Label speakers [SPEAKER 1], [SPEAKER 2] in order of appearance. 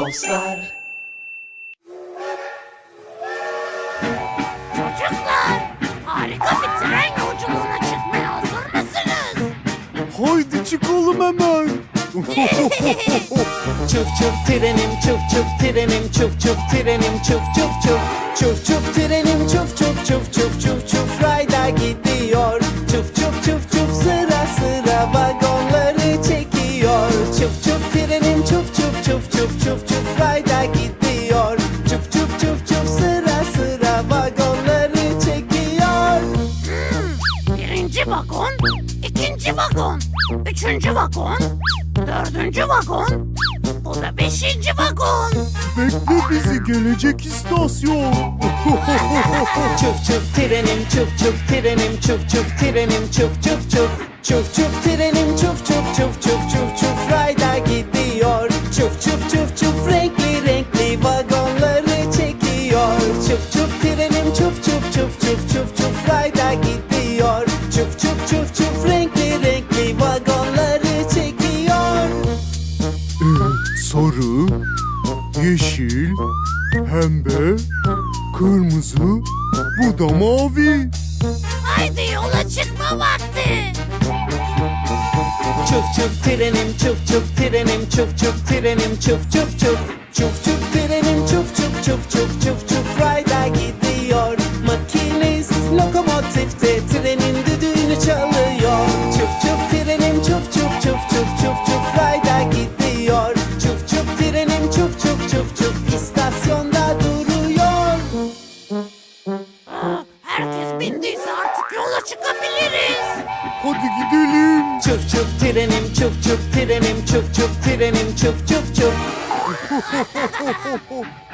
[SPEAKER 1] dostlar.
[SPEAKER 2] Çocuklar, harika bir tren yolculuğuna çıkmaya hazır mısınız?
[SPEAKER 3] Haydi çıkalım hemen.
[SPEAKER 1] Çuf çuf trenim, çuf çuf trenim, çuf çuf trenim, çuf çuf çuf. Çuf çuf trenim, çuf çuf çuf çuf çuf çuf rayda gidiyor. Çuf çuf çuf çuf sıra sıra vagonları çekiyor. Çuf çuf trenim, çuf çuf çuf çuf çuf çuf rayda gidiyor. Çuf çuf çuf çuf sıra sıra vagonları çekiyor.
[SPEAKER 2] Birinci vagon, ikinci vagon, üçüncü vagon, dördüncü vagon, bu da beşinci vagon.
[SPEAKER 3] Bekle bizi, gelecek istasyon.
[SPEAKER 1] Çuf çuf trenim, çuf çuf trenim, çuf çuf trenim, çuf çuf çuf. Çuf çuf trenim, çuf çuf çuf çuf çuf çuf rayda gidiyor. Çuf çuf çuf çuf renkli renkli vagonları çekiyor. Çuf çuf trenim, çuf çuf çuf çuf çuf çuf rayda gidiyor. Çuf çuf çuf çuf renkli renkli vagonları çekiyor.
[SPEAKER 3] Sarı, yeşil, pembe, kırmızı, bu da mavi.
[SPEAKER 2] Haydi yola çıkma vakti.
[SPEAKER 1] Çuf çuf trenim, çuf çuf trenim, çuf çuf trenim, çuf çuf çuf. Çuf çuf trenim, çuf çuf çuf çuf çuf çuf rayda gidiyor. Makinist lokomotifte trenin düdüğünü çalıyor. Çuf çuf trenim, çuf çuf çuf çuf çuf çuf rayda gidiyor. Çuf çuf trenim, çuf çuf çuf çuf istasyonda duruyor.
[SPEAKER 2] Herkes bindiyse artık yola çıkabiliriz.
[SPEAKER 3] Hadi gidelim.
[SPEAKER 1] Çuf çuf trenim, çuf çuf trenim, çuf çuf trenim, çuf çuf çuf.